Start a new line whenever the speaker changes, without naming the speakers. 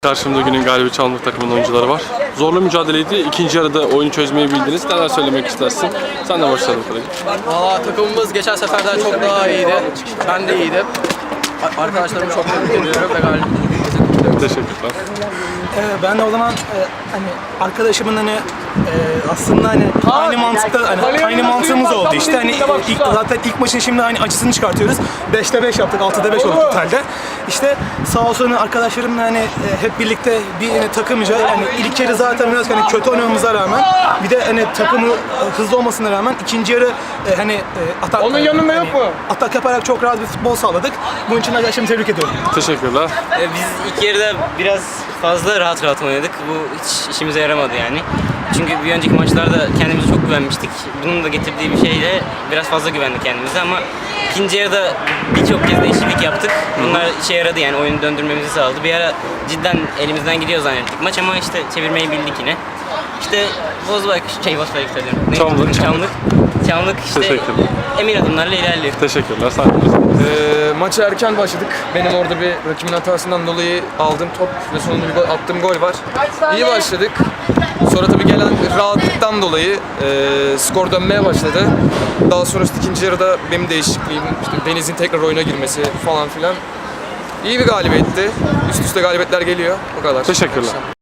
Karşımda günün galibi Çamlık takımının oyuncuları var. Zorlu mücadeleydi. İkinci yarıda oyunu çözmeyi bildiniz. Neler söylemek istersin? Sen de başlayalım Kıracı.
Valla takımımız geçen seferden çok daha iyiydi. Ben de iyiydim. Arkadaşlarımı çok tebrik ediyorum ve galibiyetimizi kutluyorum.
Teşekkürler.
Ben de o zaman hani arkadaşımın hani aslında hani aynı mantıkta hani aynı mantığımız oldu işte hani zaten ilk maçın şimdi hani acısını çıkartıyoruz. 5'te 5 yaptık, 6'da 5 oldu totalde. İşte sağ olsun harekadaşlarımla hani hep birlikte bir hani takımca yani ilk yarı zaten biraz hani kötü oynamamıza rağmen bir de hani takımı hızlı olmasına rağmen ikinci yarı hani atak
Onun yanında yok mu?
Atak yaparak çok rahat bir futbol sağladık. Bunun için arkadaşlarımı tebrik ediyorum.
Teşekkürler.
Biz ilk yarıda biraz fazla rahat oynadık. Bu hiç işimize yaramadı yani. Çünkü bir önceki maçlarda kendimize çok güvenmiştik. Bunun da getirdiği bir şeyle biraz fazla güvendik kendimize ama ikinci yarıda birçok kez değişiklik yaptık. Bunlar işe yaradı yani oyunu döndürmemizi sağladı. Bir ara cidden elimizden gidiyor zannettik maç ama işte çevirmeyi bildik yine. İşte Bozbay diyorum. Çamlık işte
Teşekkürler.
emin adımlarla ilerliyor.
Teşekkürler. Sağ olun.
Maça erken başladık. Benim orada bir rakibin hatasından dolayı aldığım top ve sonunda bir attığım gol var. İyi başladık. Sonra tabii gelen rahatlıktan dolayı skor dönmeye başladı. Daha sonrasında ikinci yarıda benim değişikliğim, işte Deniz'in tekrar oyuna girmesi falan filan. İyi bir galibiyetti. Üst üste galibiyetler geliyor. O kadar.
Teşekkürler.